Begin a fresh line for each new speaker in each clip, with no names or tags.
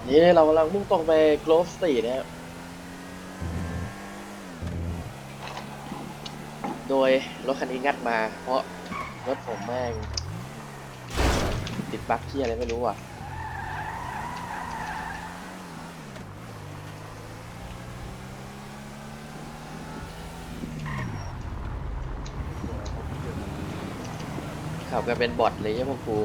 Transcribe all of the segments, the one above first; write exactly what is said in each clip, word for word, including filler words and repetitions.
นี่เรากำลังมุ่งตรงไปโกลฟสตรีทนะครับโดยรถคันนี้งัดมาเพราะรถผมแม่งติดบั๊กที่อะไรไม่รู้อ่ะขับกันเป็นบอทเลยใช่พวกกู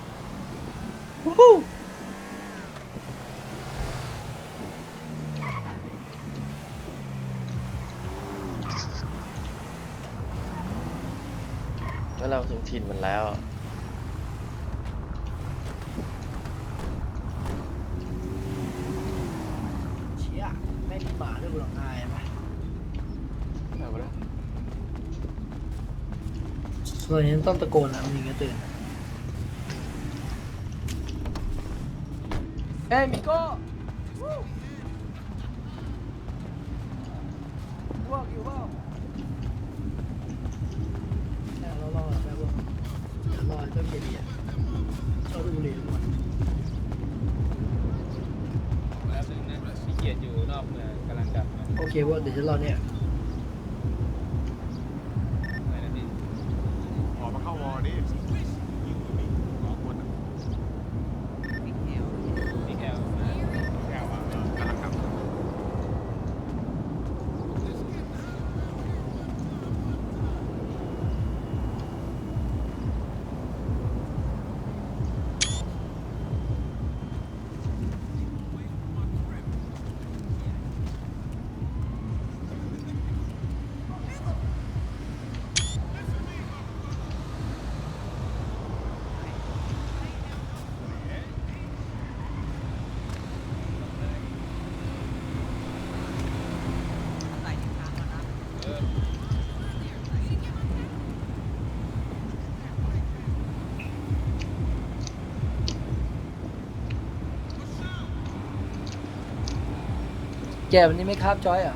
แล้วเราถึงถิ่นมันแล้ว
เชี่ยไม่มีหมาด้วยกูหรอกนายไหมส่วนนี้ต้องตะโกนนะมันถึงจะตื่นเอ้ยมิโก้พวกอยู่เปล่าแค่เรารอแม่พวกเดี๋ยวรอเจ้าเบียร์เบียร์ชอบดูบุหรี่ทุกวัน
แล้วนึงนะขี้เกียจอยู่นอกเมืองกำลังกลับมา
โอเคพวกเดี๋ยวฉันรอเนี่ย
ไหนนะพี่
ออกมาเข้าวอร์ดิยิงอยู่นี่สองคนอ่ะ
พี่แคลมา
แก้วอ่ะกำลังกลับ
เออ
แกวันนี้ไม่คาบจอยเหรอ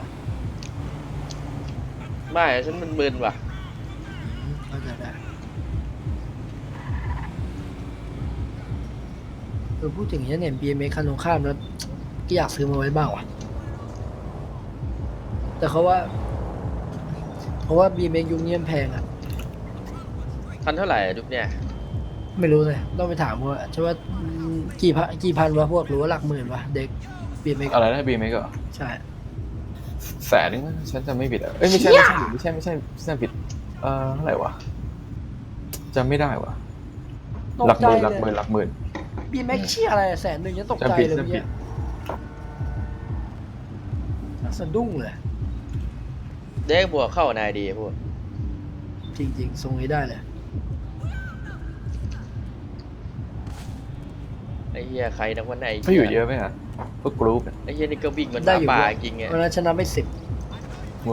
ไม่ฉันมึนๆว่ะ
อืมเข้าใจได้เออพูดถึงฉันเห็น บี เอ็ม เอ็กซ์ คันตรงข้ามแล้วก็อยากซื้อมาไว้บ้างว่ะแต่เขาว่า เพราะว่า บี เอ็ม เอ็กซ์ ยุคนี้มันแพงอ่ะ
พันเท่าไหร่อะยุคเนี่ย
ไม่รู้เลยต้องไปถามว่าใช่ว่าอืมกี่พันกี่พันวะพวกหรือว่าหลักหมื่นวะเด็ก บี เอ็ม เอ็กซ์
อะไรนะบีเมกเหรอ
ใช่
แสนนึงมั้งฉันจะไม่ผิดอ่ะเอ้ยไม่ใช่ไม่ใช่ไม่ใช่ไม่ใช่ไม่ใช่ผิดเอ่อเท่าไหร่วะจำไม่ได้วะ
ตก
หลักห
ใจ
มื่นห
เล
ลักหมื่น
ย
หลักหมื่น
บี เอ็ม เอ็กซ์ เชี่ยอะไรอะแสนหนึ่งยังตกใจ
จำผิด
เลย
จำผิ
เมื่อกี้
ด
สะดุ้งเลย
เด็กบวกเข้านายดีพวก
จริงๆทรงนี้ได้เลย
ไอ้เหี้ยใครนักวันไหน
เขาอยู่เยอะไหมอ่ะพวกกรุ๊ปเนี่ย
ไอ้เหี้ยนี่ก็วิ่งเหมันห
ได้
มา
อยู่
ป่า
เยอะ
จริงไง
วันนั้นชนะไปสิบ
โง่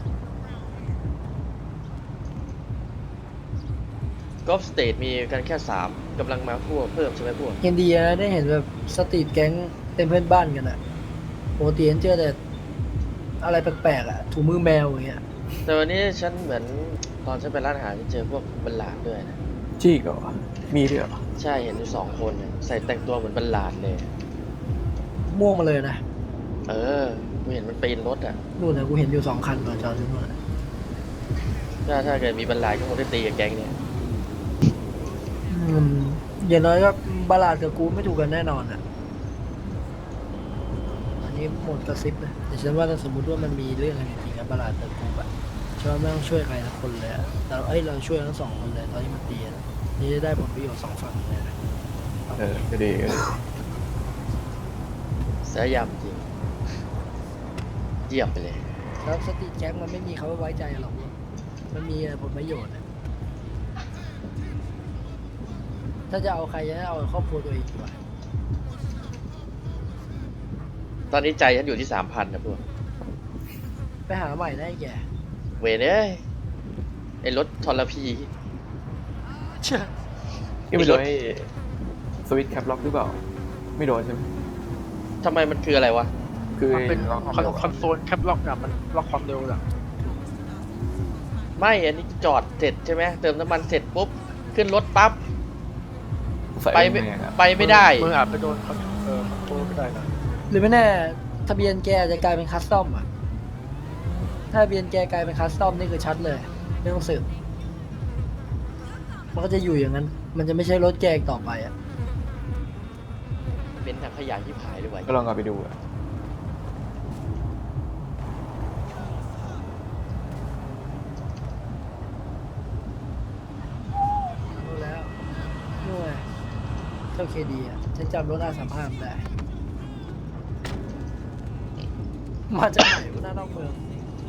กอล์ฟสเตทมีกันแค่สามกำลังมาพวกเพิ่มใช่ไหมพวก
ยังดีนะได้เห็นแบบสตรีทแก๊งเต็มเพื่อนบ้านกันอะปกติเห็นเจอแต่อะไรแปลกๆอะถุงมือแมวอย่างเงี้ย
แต่วันนี้ฉันเหมือนตอนฉันไปร้านอาหารฉันเจอพวกบัลลาดด้วยนะ
จี้ก่อนมีด้วยเหรอ
ใช่เห็นอยู่สองคนน่ะใส่แต่งตัวเหมือนบัลลาดเลย
ม่วงมาเลยนะ
เออกูเห็นมันปีนรถอ่ะ
นู่นนะกูเห็นอยู่สองคันก่อนจอดที่นู่นอะ
ถ้าถ้าเกิดมีบัลลาดก็คงได้ตีกับแก๊งเนี่ย
อืมอย่างน้อยก็บาลาดกับกูไม่ถูกกันแน่นอนอะอันนี้หมดกระซิบนะแต่ฉันว่าถ้าสมมติว่ามันมีเรื่องอะไรจริงๆกับบาลาดกับกูอะฉันว่าไม่ต้องช่วยใครสักคนเลยอะแต่เอ้ยเราช่วยทั้งสองคนเลยตอนที่มันตีอะนี่จะได้ผลประโยชน์สองฝั่งเลยนะ
เออก็ดีก็ดี
เสียยำจริงเยี่ยมไปเลย
แล้วสตรีทแก๊งมันไม่มีเขาไว้ใจหรอกมันมีผลประโยชน์อะถ้าจะเอาใครจะเอาครอบครัวตัวเองดีกว่า
ตอนนี้ใจฉันอยู่ที่สามพันนะพวก
ไปหาใหม่ได้แก
เวรเอ้ยไอ้รถทรพี
เชื่อ
นี่ไม่โดนไอ้สวิตช์แคปล็อกหรือเปล่า ไม่โดนใช่ไหม
ทำไมมันคืออะไรวะ
คือ
มันเป็น
ล็อก
คอนคอนโซลแคปล็อกอะมันล็อกความเร็วอะ
ไม่ อันนี้จอดเสร็จใช่ไหมเติมน้ำมันเสร็จปุ๊บ ขึ้นรถปั๊บ
ใส่
ไป
ไม่
ไม่
อะ
ไปไม่ได้
มืออาจไปโดนคอนเออคอนโทรลไปได้นะ
หรือไม่แน่ทะเบียนแกอาจจะกลายเป็นคัสตอมอ่ะถ้าทะเบียนแกกลายเป็นคัสตอมนี่คือชัดเลยไม่ต้องสืบมันก็จะอยู่อย่างนั้น มันจะไม่ใช่รถแกอีกต่อไปอ่ะ
เป็นถังขยะที่ผายด้วยวะ
ก็ลองเอาไปดูอะ
รู้แล้วนู่นไงเจ้าเคดีอ่ะฉันจำรถอาสามห้ามได้ มาจากไหนวะหน้านอกเมือง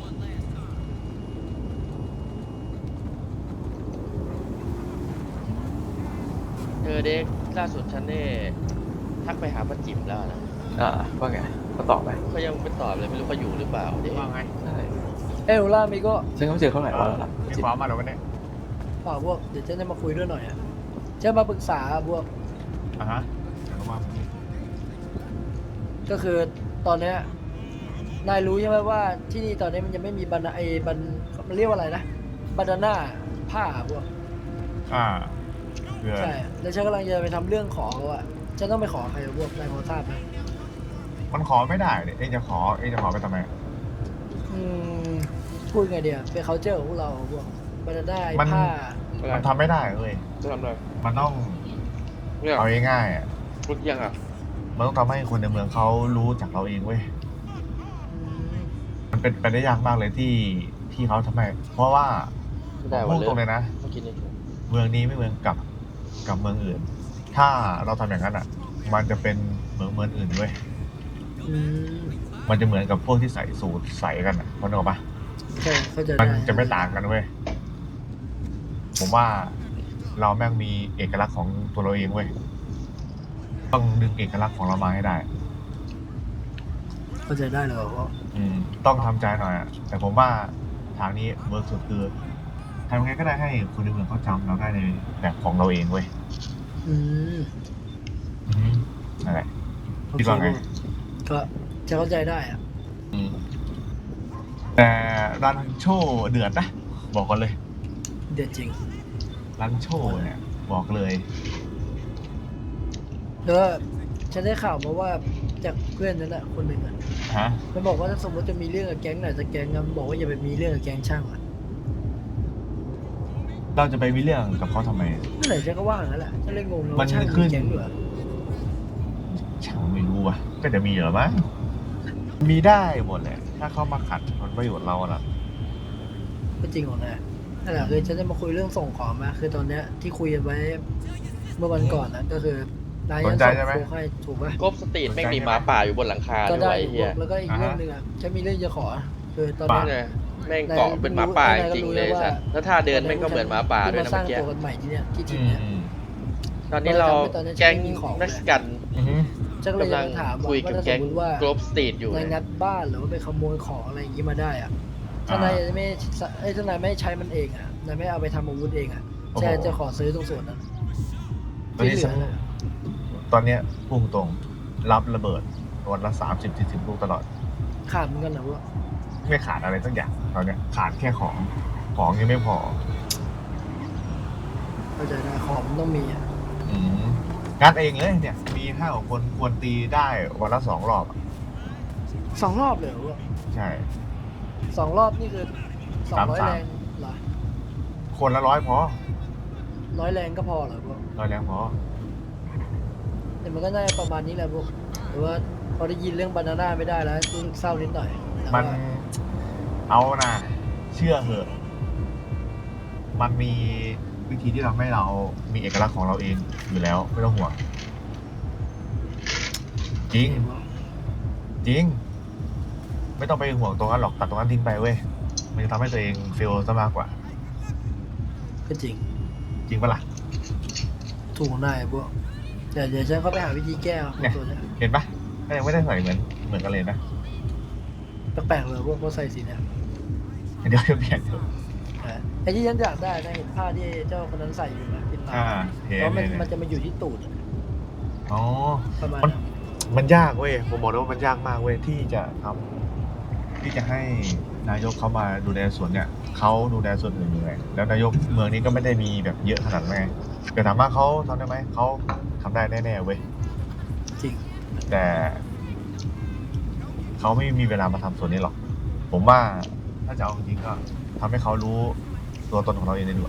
เออเด็กล่าสุดฉันเนี่ยทักไปหาป้าจิ๋มแล้วนะ
อ่าว่าไงก็ตอบไป
เขายังไม่ตอบเลยไม่รู้เขาอยู่หรือเปล่าเด็ก
ว่าไง
ใช่
เอ้ยโอล่ามีก็
ฉันก็ไม่เจอเขาหลายวันแล้วล่ะ
มี
จริง
ความมาแล้ววันนี้
เปล่าพวกเดี๋ยวฉันจะมาคุยด้วยหน่อยอ่ะจะมาปรึกษาพวก
อ่ะฮะเดี๋ยวมา
ก็คือตอนเนี้ยนายรู้ใช่ไหมว่าที่นี่ตอนนี้มันยังไม่มีบันไอบันมันเรียกว่าอะไรนะบันดาน่าผ้าพวก
อ่าเพื่อ
ใช่แล้วฉันกำลังจะไปทำเรื่องขอเขาอะฉันต้องไปขอใครพวกนายพอทราบไหม
มันขอไม่ได้เนี่ยเองจะขอเองจะขอไปทำไม
อืมพูดไงเดียวเป็น culture ของพวกเราพวกบันดาน่าไอ้
มัน
ผ้า
มันทำไม่ได้เลย
จะทำอะไร
มันต้อง
เนี่ย
เอาง่ายๆอ่ะ
พูดยังอ่ะ
มันต้องทำให้คนในเมืองเขารู้จักเราเองเว้ย
อืม
มันเป็นไปได้ยากมากเลยที่ที่เขาทำไม เพราะว่า
ไม่ได้
พู
วัน
ด
เล
ตรงเลย ยนะ
เมื่อกี้นี่
เมืองนี้ไม่เหมือนกับกับเมืองอื่น ถ้าเราทำอย่างนั้นอ่ะ มันจะเป็นเหมืองเมืองอื่นเว้ย
อืม
มันจะเหมือนกับพวกที่ใส่สูทใส่กันอ่ะพอนึกออกปะ
ใช่เข้าใจ
มัน
ได้
จะไม่ต่างกันเว้ย ผมว่าเราแม่งมีเอกลักษณ์ของตัวเราเองเว้ย ต้องดึงเอกลักษณ์ของเรามาให้ได้
เข้าใจได้เลยว่า
อืม ต้องทำใจหน่อยอะแต่ผมว่าทางนี้เวิร์กสุดคือทำยังไงก็ได้ให้คนในเมืองเขาจำเราได้ในแบบของเราเองเว้ย
อืม
อืมนั่นแหละ
โอ
คิด
เค
ว่าไง
ก็จะเข้าใจได้อะ
อืม แต่รันโชว์เดือดนะ บอกกันเลย
เด็ดจริง
รันโชว์เนี่ย บอกเลย
แล้วก็ฉันได้ข่าวมาว่าจากเพื่อนนั่นแหละคนหนึ่งอ่ะ
ฮะ
มันบอกว่าถ้าสมมติจะมีเรื่องกับแก๊งไหนจะแก๊งนะมันบอกว่าอย่าไปมีเรื่องกับแก๊งช่างอ่ะ
เราจะไปมีเรื่องกับเขาทำไม
เมื่อไหร่ฉันก็ว่าอย่างนั้นแหละฉันเลยงงเลย
มั
ว่าน ช่าง
ขึ้
มี
น
แก๊งเหรอ
ช่างไม่รู้ว่ะ ก็จะมีเหรอมั้งมีได้หมดแหละ ถ้าเขามาขัดผลประโยชน์เราอะ
ก็จริงของนายนั่นแหละคือฉันจะมาคุยเรื่องส่งของมาคือตอนเนี้ยที่คุยกันไว้เมื่อวันก่อนนะก็คือนายยังส่งโค้กให้ถูกป่ะ
กบสตรีทแม่งมีหมาป่าอยู่บนหลังคา
ก็
ด้
ได้
วย
อยู่
เฮีย
แล้วก็อีกเรื่องหนึ่งอ่ะฉันมีเรื่องจะขอคือตอน
ป่า
เนี้ย
เนี่ยแม่งเกาะเป็นหมาป่าจริงๆเลยสัตว์แล้วท่าเดินแม่งก็เหมือนหมาป่าด้วยนะ
ที่มาสร้า
เมื่
ง
อกี้
ตัวกันใหม่ที่เนี้ยที่
อื
ถิ่น
ม
เนี้ย
อืม
ตอนนี้เรา
ตอนนี้ฉัน
แก๊ง
ไม่มีของเลย
เม็กซิกัน
อือฮึ
ฉันก็เลย
กำลัง
จะถามว่า
คุยกับ
ถ้าส
แก๊
ม
ง
มติว่าก
รบสตรีทอยู่
นาย
เนี่ย
งัดบ้านหรือว่าไปขโมยของอะไรอย่างนี้มาได้อ่ะถ้านายไม่ไอ้ยถ้านายไม่ใช้มันเองอ่ะนายไม่เอาไปทำอาวุธเองอ่ะฉันจะขอซื้อตรงส่วนนั้น
ตอน
ที่
นี้
เหลื
ฉั
อน น่ะ
ตอนเนี้ยพุ่งตรงรับระเบิดวันละสามสิบสี่สิบลูกตลอด
ขาดเหมือนกันนะว่า
ไม่ขาดอะไรสักอย่างตอนเนี้ยขาดแค่ของ ของยังไม่พอ
เข้าใจได้ของมันต้องมีอ่ะ
อืมงัดเองเลยเนี่ย มีห้าหกคนควรตีได้วันละสองรอบอะ
สองรอบเลยเหรอวะ
ใช่
สองรอบนี่คือสองร้อย
สามสาม
แรงเหรอ
คนละร้อยพอ
ร้อยแรงก็พอเหรอพวก
ร้อยแรงพอ
แต่มันก็น่าจะประมาณนี้แหละพวกหรือว่าพอได้ยินเรื่องบานาน่าไม่ได้แล้วรู้สึกเศร้านิดหน่อยแต่
มัน
ว่า
เอานะเชื่อเหอะ มันมีวิธีที่ทำให้เรามีเอกลักษณ์ของเราเองอยู่แล้ว ไม่ต้องห่วง จริง จริง ไม่ต้องไปห่วงตรงนั้นหรอกตัดตรงนั้นทิ้งไปเว้ย มันจะทำให้ตัวเองเฟลซะมากกว่า
ก็จริง
จริงปะล่ะ
ถูกได้พวกแต่เดี๋ยวฉันเขาไปหาวิธีแก้ของ
เนี่ย
ตัวเนี้ย
เห็นปะก็ยังไม่ได้ใส่เหมือนเหมือนกันเลยนะ
แปลกๆเลยพวกเขาใส่สีเนี่ย
เดี๋ยวจะเปลี่ยน
อ่าไอ้ที่ฉันอยากได้นะเห็นผ้าที่เจ้าคนนั้นใส่อยู่นะติดตา
อ่าเห็น
แล้วมัน
เห็น
มันจะมาอยู่ที่ตูดอะ
อ๋อ
ประมาณ
มัน
นั้น
มันยากเว้ย ผมบอกเลยว่ามันยากมากเว้ยที่จะทำที่จะให้นายกเขามาดูแลส่วนเนี่ยเขาดูแลส่วนอื่นยังไงแล้วนายกเมืองนี้ก็ไม่ได้มีแบบเยอะขนาดนั้นไงแต่ถามว่าเขาทำได้ไหมเขาทำได้แน่ๆเว้ย
จริง
แต่เขาไม่มีเวลามาทำส่วนนี้หรอก ผมว่าถ้าจะเอาจริงๆก็ทำให้เขารู้ตัวตนของเราเองได้ด้วย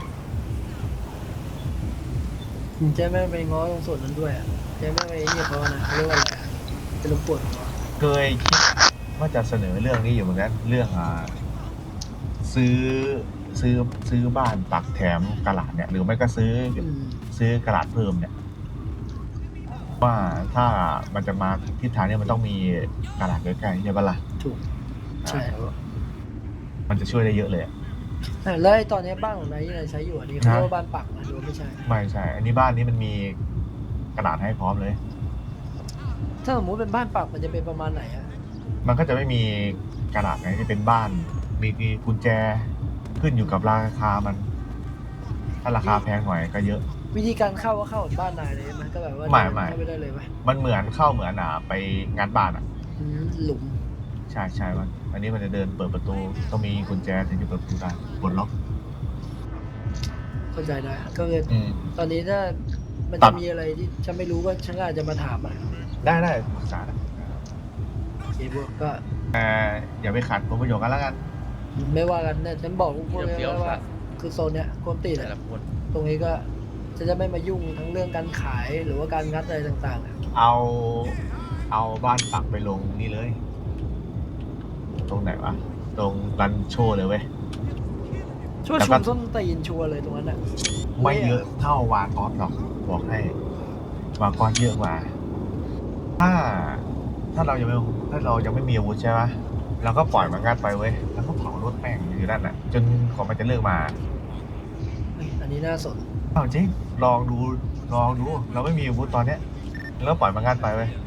เจ๊แม่งไปง้อตรงส่วนนั้นด้วยอ่ะเจ๊แม่งไปนี่เขานะเขาเรียกว่าอะไรอะเป็นลูกปวดหัว
เคยคิดว่าจะเสนอเรื่องนี้อยู่เหมือนกันเรื่องอ่าซื้อซื้อซื้อบ้านปักแถมกระดาษเนี่ย หรือไม่ก็ซื้อ
อืม
ซื้อกระดาษเพิ่มเนี่ย ว่าถ้ามันจะมาทิศทางเนี้มันต้องมีกระดาษใกล้ๆใช่ปะล่ะ
ถูกใช่ครับ
มันจะช่วยได้เยอะเลยอะ
อ่ะแล้วไอ้ตอนนี้บ้านของนายที่นายใช้อยู่อันนี้เขาเรียกว่าบ้านปักนะหรือว่าไม่ใช่
ไม่ใช่ อันนี้บ้านนี้มันมีกระดาษให้พร้อมเลย
ถ้าสมมติเป็นบ้านปักมันจะเป็นประมาณไหนอ่ะ
มันก็จะไม่มีกระดาษไงที่เป็นบ้าน มีกุญแจขึ้นอยู่กับราคามัน ถ้าราคาแพงหน่อยก็เยอะ
วิธีการเข้าก็เข้าเหมือนบ้านนายเลยใช่ไหมก็แบบว่า
ไม่ไม่
เข้าไปได้เลยไหม
มันเหมือนเข้าเหมือนอ่ะไปงานบ้านอ่ะ
อืมหลุม
ใช่ใช่มันอันนี้มันจะเดินเปิดประตูต้องมีกุญแจถึงจะเปิดประตูได้ปลดล็อก
เข้าใจได้ก็คือ
อืม
ตอนนี้ถ้ามัน
ตั
จะ
ด
มีอะไรที่ฉันไม่รู้ก็ฉันก็อาจจะมาถามอ่ะ
ได้ได้ปรึกษาได้
โอเคพวกก็
แต่อย่าไปขัดผลประโยชน์กันแล้วกัน
ไม่ว่ากันเนี่ยฉันบอกพวกเลย
เดี๋ยว
นะ
ๆ
ว่า คือโซนเนี้ยกวนตีน
แต่
อะ
ละคน
ตรงนี้ก็จะจะไม่มายุ่งทั้งเรื่องการขายหรือว่าการงัดอะไรต่างๆอะ
เอาเอาบ้านปักไปลงนี่เลย ตรงไหนวะ ตรงรันโชว์เลยเว้ย
ช่วย
แต่
ชุ
ก็
มส้นตีนชัวร์เลยตรงนั้นอ่ะ
ไม่เยอะเท่าวากอสหรอกบอกให้วากอสเยอะกว่า ถ้า ถ้าเรายังไม่ถ้าเรายังไม่มีอาวุธใช่ไหมเราก็ปล่อยมันงัดไปเว้ยแล้วก็เผารถแม่งอยู่นั่นน่ะ จนกว่ามันจะเลิกมา
เฮ้ยอันนี้น่าสน
เอาจริงลองดูลองดู เราไม่มีอาวุธตอนเนี้ยแล้วปล่อยมันงัดไปเว้ย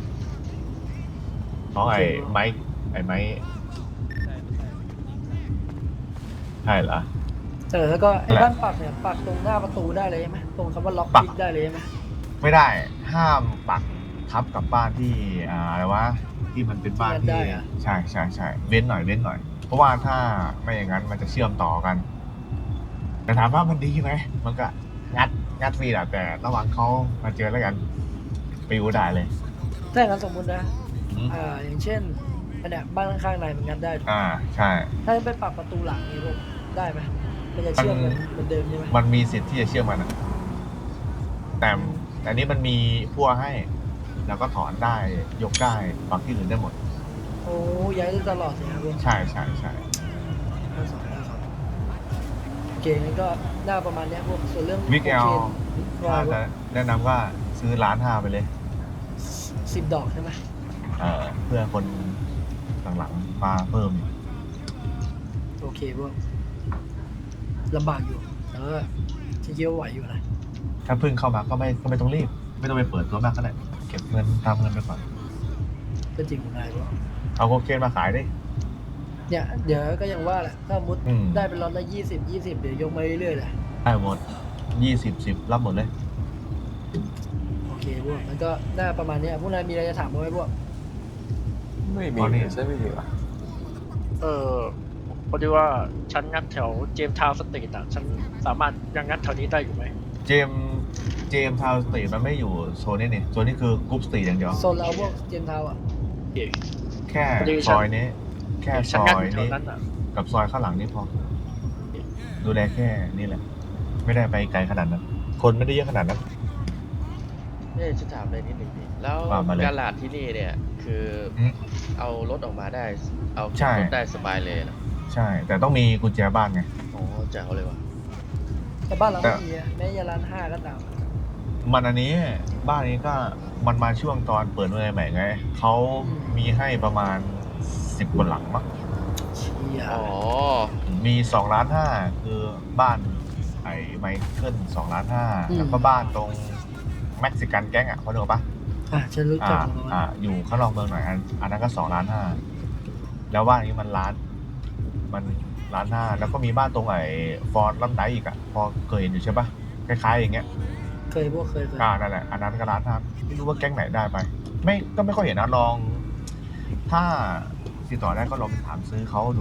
น้องไอ้ไม้ไอ้ไม้
ใช่ไม่ใช่
ใช่เหรอ
เออแล้วก็ไอ้
แหละ
บ้านปักเนี่ยปักตรงหน้าประตูได้เลยใช่ไหมตรงคำว่าล็อก
ปัก
พิกได้เลยใช่ไหม
ไม่ได้ ห้ามปักทับกับบ้านที่อ่าอะไรวะที่มันเป็นบ้านที่ใช่ใช่ใช่เว้นหน่อยเว้นหน่อย เพราะว่าถ้าไม่อย่างนั้นมันจะเชื่อมต่อกัน แต่ถามว่ามันดีไหมมันก็งัดงัดฟรีแหละแต่ระหว่างเขามาเจอแล้วกันไปอยู่ได้เลย
ถ้าอย่างนั้นสมมุตินะ
อืม
อ่าอย่างเช่นอันเนี้ยบ้านข้างๆนายมันงัดได้ถูก
อ่าใช่
ถ้าไปปักประตูหลังนี่พวกได้ไหมมันจะเชื่อมกันเหมือนเดิมใช่ไหม
มันมีสิทธิ์ที่จะเชื่อมมันอะแต่แต่อันนี้มันมีพั่วให้ แล้วก็ถอนได้ยกได้ปักที่อื่นได้หมด
โอ้ย้ายได้ตลอดเลยครับพวก
ใช่ใช่ใช่
น่าสนน่าสนโอเคงั้นก็น่าประมาณเนี้ยพวกส่วนเรื่อง
วิกเอล
โคเคนว่า
ถ้าจะแนะนำว่าซื้อล้านห้าไปเลย
สิบดอกใช่ไหม
เอ่อเพื่อคนหลังๆมาเพิ่ม
โอเคพวกลำบากอยู่แต่ว่าฉันคิดว่าไหวอยู่นะ
ถ้าเพิ่งเข้ามาก็ไม่ก็ไม่ต้องรีบ ไม่ต้องไปเปิดตัวมากก็ได้เก็บเงินทำเงินไปก่อน
ก็จริงของนายพวก
เอาโคเคนมาขายดิ
เนี่ยเดี๋ยวก็ยังว่าแหละถ้ามุด
อืม
ได้เป็นล็อตละยี่สิบยี่สิบเดี๋ยวยกมาเรื่อยๆเลย
ได้หมดยี่สิบสิบรับหมดเลย
โอเคพวกมันก็น่าประมาณเนี้ยพวกนายมีอะไรจะถามบ้างไหมพวก
ไม่มี
ตอนนี้
ใช่ไม่มีวะ
เออพอดีว่าฉันงัดแถวเจมส์ทาวน์สตรีทอ่ะ ฉันสามารถยังงัดแถวนี้ได้อยู่ไหม
เจมส์เจมส์ทาวน์สตรีทมันไม่อยู่โซนนี้นี่โซนนี้คือกรุ๊ปสตรีทอย่างเดียว
โซนเราพวกเจมส์ทาวน์อ่ะ
เอ๋
แค่
พอดี
ซอยนี้ แค่ซ
ฉัน
อ
งัด
ย
อยู่แถว
นี้
นั้นอ่ะ
กับซอยข้างหลังนี่พอ ดูแลแค่นี้แหละ ไม่ได้ไปไกลขนาดนั้น คนไม่ได้เยอะขนาดนั้น
เนี่ยฉันถามเลยนิดหนึ่งดิแล้ว
ว่ามาเลย
การลาดที่นี่เนี่ย คืออ
ม
เอารถออกมาได้ เอา
ใช่
รถได้สบายเลยนะ
ใช่ แต่ต้องมีกุญแจบ้านไง
โอ้แจ๋วเลยว่ะ
แต่บ้านเรา
แต่
ไม่มีอะแม้ยาร้านห้าก็ตาม
มันอันนี้บ้านนี้ก็มันมาช่วงตอนเปิดเมืองใหม่ไงเขามีให้ประมาณสิบกว่าหลังมั้ง
เชี่ย
อ๋อ
มีสองล้านห้าคือบ้านไอ้ไมเคิลสองล้านห้าแล้วก็บ้านตรงเม็กซิกันแก๊งอ่ะเขาเรียกว่าปะ
อ่ะฉันรู้จั
อ่าก
ของมัน
อ่าอยู่ข้างนอกเมืองหน่อยอันอันนั้นก็สองล้านห้าแล้วบ้านนี้มันล้าน มันล้านห้าแล้วก็มีบ้านตรงไอ้ฟอร์ดลัมไดอีกอ่ะพอเคยเห็นอยู่ใช่ปะคล้ายๆอย่างเงี้ย
เคยพวกเคยเคย
อ่านั่นแหละอันนั้นก็ล้านห้าไม่รู้ว่าแก๊งไหนได้ไป ไม่ก็ไม่ค่อยเห็นนะลอง ถ้าติดต่อได้ก็ลองไปถามซื้อเขาดู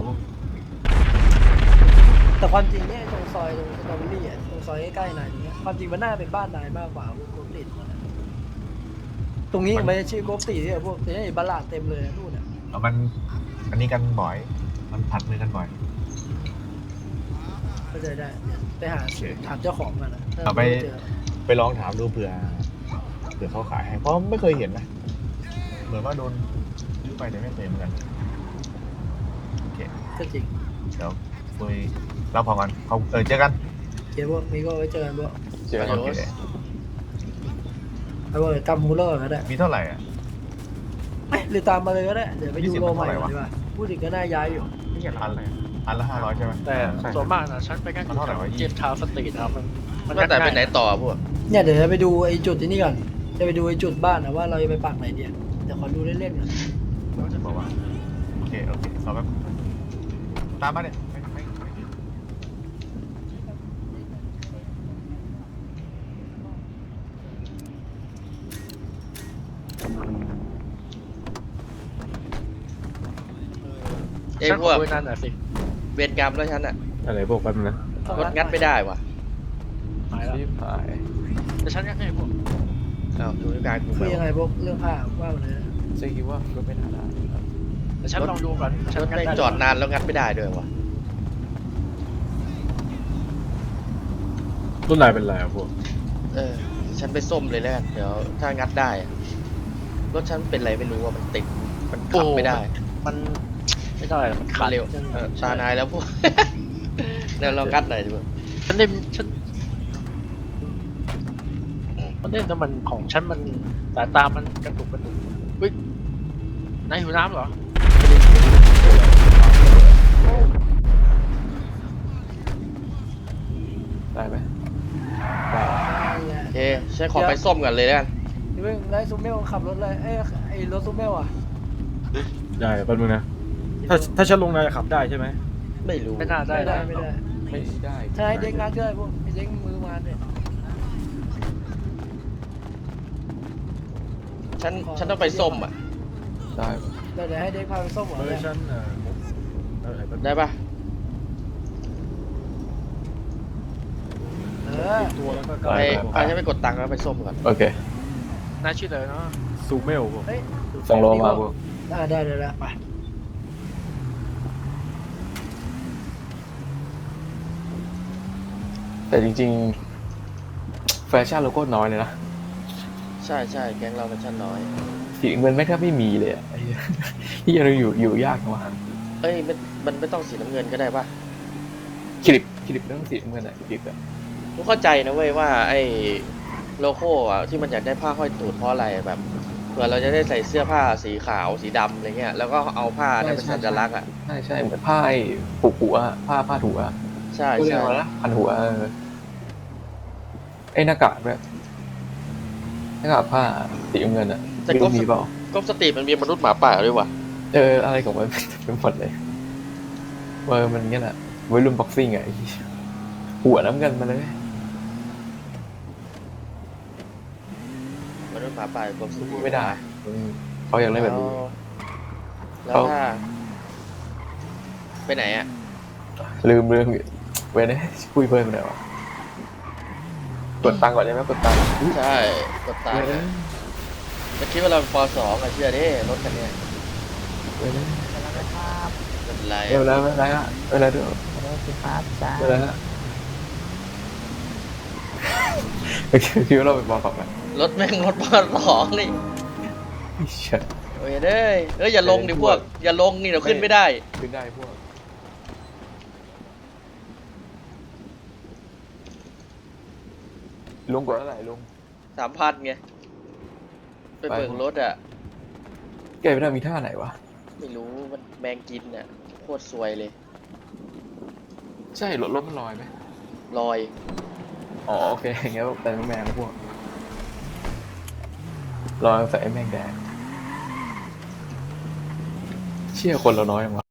แต่ความจริงเนี่ยตรงซอยตรงสตรอเบอรี่อ่ะตรงซอยใกล้ๆนายตรงเนี้ยความจริงมันน่าเป็นบ้านนายมากกว่าพวกติดมันอะตรงนี้ไม่ใช่ชื่อโกตีเนี่ยพวกแต่นี่บาลาดเต็มเลยนะนู่นอ่ะ
แล้วมันอันนี้กันบ่อย มันผัดมือกันบ่อย
เข้าใจได้ไปหาถามเจ้าของกันนะถ้
เอาไป
ม่เจอ
ไปลองถามดูเผื่อเผื่อเขาขายให้ เพราะไม่เคยเห็นนะ เหมือนว่าโดนซื้อไปแต่ไม่เคยเหมือนกันโอเค
ก็จริง
เดี๋ยวคุยเราพอกันเขาเออเจอกัน
เดี๋ยวพวกนี้ก็ไว้เจอกันพวก
เจอกัน
โอเค
เอาพวกกำมูลเลอร์ก็ได้
มีเท่าไหร่อ่ะ
เอ้ยหรือตามมาเลยก็ได้เดี๋ยวไปดู
ยี่สิบ
โลใหม่
เท่าไหร่
ก่อน
วะ
ดีกว่าพูดถึงก็น่าย้ายอยู่
ไม่ใช่
อัน
ร้านอะไร
อันละห้าร้อยใช่ไหม
แต่ส่วนมากนะฉันไปแค่
มันเท่าไหร่วะ
เจมทาวน์สตรีทนะครับมันมัน
ว่าแต่ไปไหน
ง่ายๆ
ต่อพวก
เนี่ยเดี๋ยวจะไปดูไอ้จุดที่นี่ก่อนจะไปดูไอ้จุดบ้านนะว่าเราจะไปปักไหนเนี่ยเดี๋ยวขอดูเล่นๆก่อน
เราจะบอกว่าโอเคโอเครอแป๊บตามมาเนี่ยไม่ไม่ไม่
เอ้ย
ฉัน
พ
ข
ว
อก คุยนั่นน่ะสิ
เวรกรรมแล้วฉันอะ
อะไรพวกแป๊บนึงนะ
รถงัดไม่ได้ว่ะ
หายแล้ว
รีบหาย
แต่ฉันยังไงพวก
อ้าวดูการกู
คุยยังไงพวกเรื่องผ้าว่ามาเลยนะ
เจ๊คิดว่าก็ไม่น่าได้ครับ
แต่ฉันลองดูก่อนฉัน
รถ
งัด
แม่ง
ได้
จอดนานแล้วงัดไม่ได้ด้วยว่ะ
รุ่นลายเป็นไรอะพวก
เออ ฉันไปส้มเลยแล้วกันเดี๋ยวถ้างัดได้อะรถฉันเป็นไรไม่รู้ว่ามันติด มันขับไม่ได้
มันไม่ได้หรอกมันขาด
เร็วเออตานายแล้วพวก เดี๋ยวเรางัดหน่อยดิพวก
ฉันเล่นฉันมันเล่นแต่มันของฉันมันสายตามันกระตุกกระตุกอุ้ยนายหิวน้ำเหรอ
ได้ไหม
นั่นแหละ
โอเคฉันขอไปส้มก่อนเลยแล้วกัน
นี่เว้ยไล่ซูเมลขับรถเลยเอ้ยไอ้รถซูเมลอ่ะ
ได้แป๊บนึงนะ ถ้าถ้าฉันลงนายขับได้ใช่ไหม
ไม่รู้
ไม่น่าได้
ไม่ได้
นะ
ไม่ได้
ไม่ได้
ใช่เด็กงัดก็ได้พวกไอ้เด็กมือมานเนี่ย
ฉันฉันต้องไปส้มอ่ะ
ได้
เดี๋ยวเดี๋ยวให้เด็กพาไปส้มเหรอ
เออ
เนี่ย
ฉันเออเออแป๊บนึง
ได้ปะ
เออ
ตัวแล้วก็
ไปพาฉันไปกดตังค์แล้วไปส้มก่อน
โอเคน
ายชื่ออะไรเนาะ
ซูเมลพวก
เฮ้ย
ส่งโลมาพวก
อ่าได้ได้แล้วไป
แต่จริงๆ แฟชั่นโลโก้น้อยเลยนะ
ใช่ใช่แก๊งเราเป็นชั้นน้อย
สีเงินไม่แทบไม่มีเลยอะไอ้เหี้ยที่ยังอยู่อยู่ยากมาก
เอ้ยมันมันไม่ต้องสีน้ำเงินก็ได้ปะ
คลิปคลิปเรื่องสีเงินอะคลิปอะ
กูเข้าใจนะเว้ยว่าไอ้โลโก้อะที่มันอยากได้ผ้าห้อยตูดเพราะอะไรแบบเผื่อเราจะได้ใส่เสื้อผ้าสีขาวสีดำอะไรเงี้ยแล้วก็เอาผ้านั้นเป็นสัญลักษณ์อ่ะ
ใช่ใช่เหมือนผ้าไอ้ผูกหัวผ้าผ้าถูอะ
ใช่
เรีย
ใช่
กว่าอะไรนะพันหัวเออไอ้หน้ากากด้วยหน้ากากผ้าสีเงินอะ
แต่
ไม่
ก็
รู้มีเปล่า
ก็สตรีทมันมีมนุษย์หมาป่าด้วยว่ะ
เอออะไรของมันเป็นหมดเลยเออมันเงี้ยแหละวัยรุ่นบ็อกซิ่งไงไอ้เหี้ยหัวน้ำเงินมาเลย
มนุษย์หมาป่ากับสู้
พูดไม่ได้อืมเขาอยากเล่นแบบนี้
แล้ว
เขา
ถ้าไปไหนอ่ะ
ลืมเรื่องเว้ยเนี่ยคุยเพิ่มไปหน่อยวะกดตังค์ก่อนได้ไหมกดตังค์
ใช่กดตาม
เว้ยเนี่ย
จะคิดว่าเราเป็นปสองอะเชื่อดิรถคันเนี้ย
เว้ยเนี่ย
ไม่เป็นไร
เวลาเวลาอะเวลาด้วยเวลาฮะโอเคคิดว่าเราเป็นบอลฝักไหม
รถแม่งรถปสองนี่
เชี่ย
โอ้ยเด้ยเอ้ยอย่าลงดิพวก อย่าลงนี่เดี๋ยวขึ้นไม่ได้
ขึ้นได้พวกลุงกดเท่าไหร่ลุง
สามพันไงไปเบิกรถอ่ะ
แกไม่ได้มีท่าไหนวะ
ไม่รู้มันแมงกินอ่ะโคตรซวยเลย
ใช่รถรถมันลอยไหม
ลอย
อ๋อโอเคอย่างเงี้ยแต่ไม่แมงนะพวกลอยใส่ไอ้แมงแดงเชี่ยคนเราน้อยจังวะ